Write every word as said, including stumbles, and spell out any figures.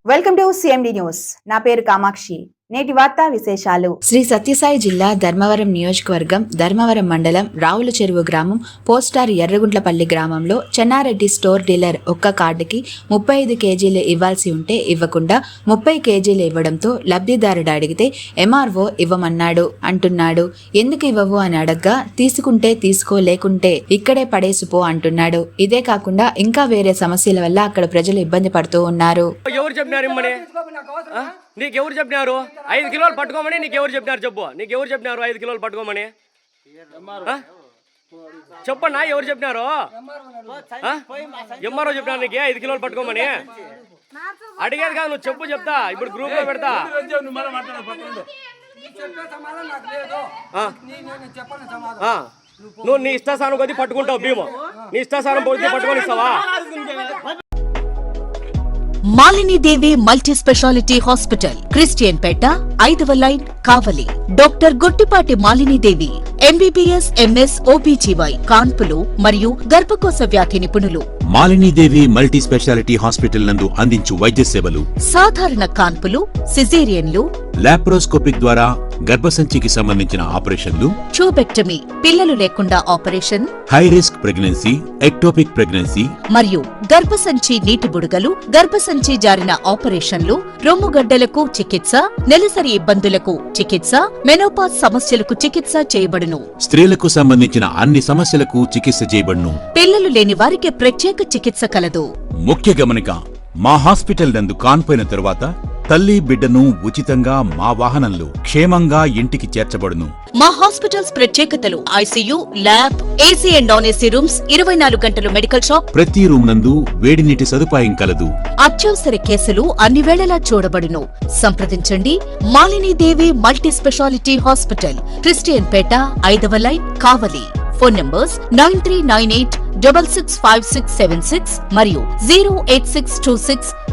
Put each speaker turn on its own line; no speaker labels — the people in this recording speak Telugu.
Welcome to CMD news. నా పేరు కామాక్షి. నేటి వార్తా విశేషాలు. శ్రీ సత్యసాయి జిల్లా ధర్మవరం నియోజకవర్గం ధర్మవరం మండలం రావుల చెరువు గ్రామం పోస్టార్ ఎర్రగుంట్లపల్లి గ్రామంలో చెన్నారెడ్డి స్టోర్ డీలర్ ఒక్క కార్డుకి ముప్పై ఐదు కేజీలు ఇవ్వాల్సి ఉంటే ఇవ్వకుండా ముప్పై కేజీలు ఇవ్వడంతో లబ్ధిదారుడు అడిగితే ఎంఆర్ఓ ఇవ్వమన్నాడు అంటున్నాడు. ఎందుకు ఇవ్వవు అని అడగ్గా తీసుకుంటే తీసుకో లేకుంటే ఇక్కడే పడేసిపో అంటున్నాడు. ఇదే కాకుండా ఇంకా వేరే సమస్యల వల్ల అక్కడ ప్రజలు ఇబ్బంది పడుతూ ఉన్నారు.
నీకెవరు చెప్పినారు ఐదు కిలోలు పట్టుకోమని? నీకెవరు చెప్పినారు చెప్పు. నీకెవరు చెప్పినారు ఐదు కిలోలు పట్టుకోమని? చెప్పన్నా ఎవరు చెప్పినారు? ఎంఆర్ఓ చెప్పినారు నీకు ఐదు కిలోలు పట్టుకోమని? అడిగేది కాదు, నువ్వు చెప్పు, చెప్తా. ఇప్పుడు గ్రూప్ లో పెడతా. నువ్వు నీ ఇష్టాసానం కొద్ది పట్టుకుంటావు భీము. నీ ఇష్టాసానం పోతే పట్టుకొని ఇస్తావా?
Malini Devi multi speciality hospital, Christian Peta, ఐదవ line, Kavali. Doctor Gottipati Malini Devi MBBS, MS, OBGY, కాన్పులు మరియు గర్భకోశ వ్యాధి నిపుణులు.
మాలినీదేవి మల్టీ స్పెషాలిటీ హాస్పిటల్ నందు అందించు వైద్య సేవలు: సాధారణ
కాన్పులు, సిజేరియన్లు,
లాప్రోస్కోపిక్ ద్వారా గర్భసంచికి సంబంధించిన ఆపరేషన్లు,
ట్యూబెక్టమీ, పిల్లలు లేకుండా operation,
high risk pregnancy, ectopic pregnancy
మరియు గర్భసంచి నీటి బుడగలు, గర్భసంచి జారిన ఆపరేషన్లు, రొమ్ముగడ్డలకు చికిత్స, నెలసరి ఇబ్బందులకు చికిత్స, మెనోపాజ్ సమస్యలకు చికిత్స చేయబడును.
స్త్రీలకు సంబంధించిన అన్ని సమస్యలకు చికిత్స చేయబడును.
పిల్లలు లేని వారికి ప్రత్యేక చికిత్స కలదు.
ముఖ్య గమనిక: మా హాస్పిటల్ నందు కాన్పోయిన తరువాత తల్లి బిడ్డను ఉచితంగా మా వాహనంలో క్షేమంగా ఇంటికి చేర్చబడును.
మా హాస్పిటల్స్ ప్రత్యేకతలు: ICU, lab, AC and non AC rooms, ఇరవై నాలుగు గంటలు మెడికల్ షాప్,
ప్రతి రూమ్ నందు వేడి నీటి సదుపాయం కలదు.
అత్యవసర కేసులు అన్ని వేళలా చూడబడును. సంప్రదించండి. Malini Devi multi speciality hospital, Christian Peta, ఐదవ line, Kavali. Phone numbers nine three nine eight double six five six seven six మరియు zero eight six two six